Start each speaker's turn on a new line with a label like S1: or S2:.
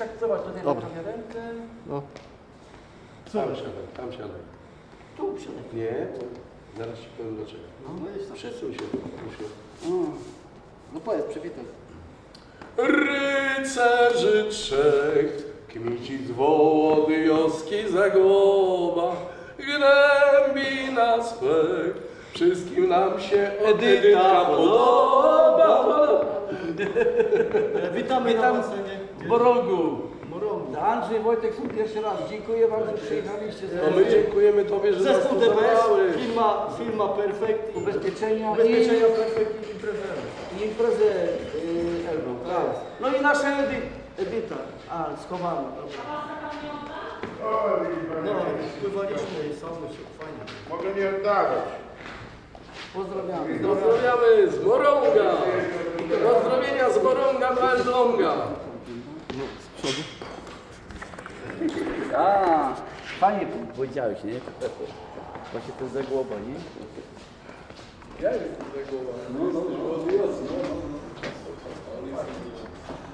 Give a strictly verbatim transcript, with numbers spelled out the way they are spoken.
S1: tak, zobacz, tutaj na
S2: Dobra.
S1: prawie rękę.
S2: No.
S3: Tam siadaj, tam siadaj.
S1: Tu siadaj.
S3: Nie, bo zaraz ci powiem dlaczego.
S1: No, no jest tak.
S3: Przesuń się, proszę.
S1: Mm. No powiedz, przywitaj.
S3: Rycerzy trzech, kmicic Wołodyjowski Zagłoba, gnębi nas pech, wszystkim nam się Edyta podoba.
S1: Witamy
S4: Witam
S1: na basenie.
S4: w Morągu.
S1: Morągu.
S4: Andrzej, Wojtek są pierwszy raz. Dziękuję wam, że przyjechaliście.
S3: No my dziękujemy Tobie, że nas
S1: Zespół
S3: tu
S1: D B S,
S3: zabrałeś.
S1: firma, firma Perfect.
S4: Ubezpieczenia
S1: Ubezpieczenia Perfect i imprezę.
S4: i imprezę yy, Elbląg. Tak. No i nasza Edy, Edyta. A, schowana. Dobra.
S1: No, wpływaliśmy i samy się fajnie.
S5: Mogę nie oddawać.
S4: Pozdrawiamy.
S3: Pozdrawiamy z Morąga. Pozdrowienia z Morąga do Elbląga.
S4: A, fajnie powiedziałeś, nie? Właśnie to jest Zagłoba, nie?
S3: Ja jestem Zagłoba. No, no, no.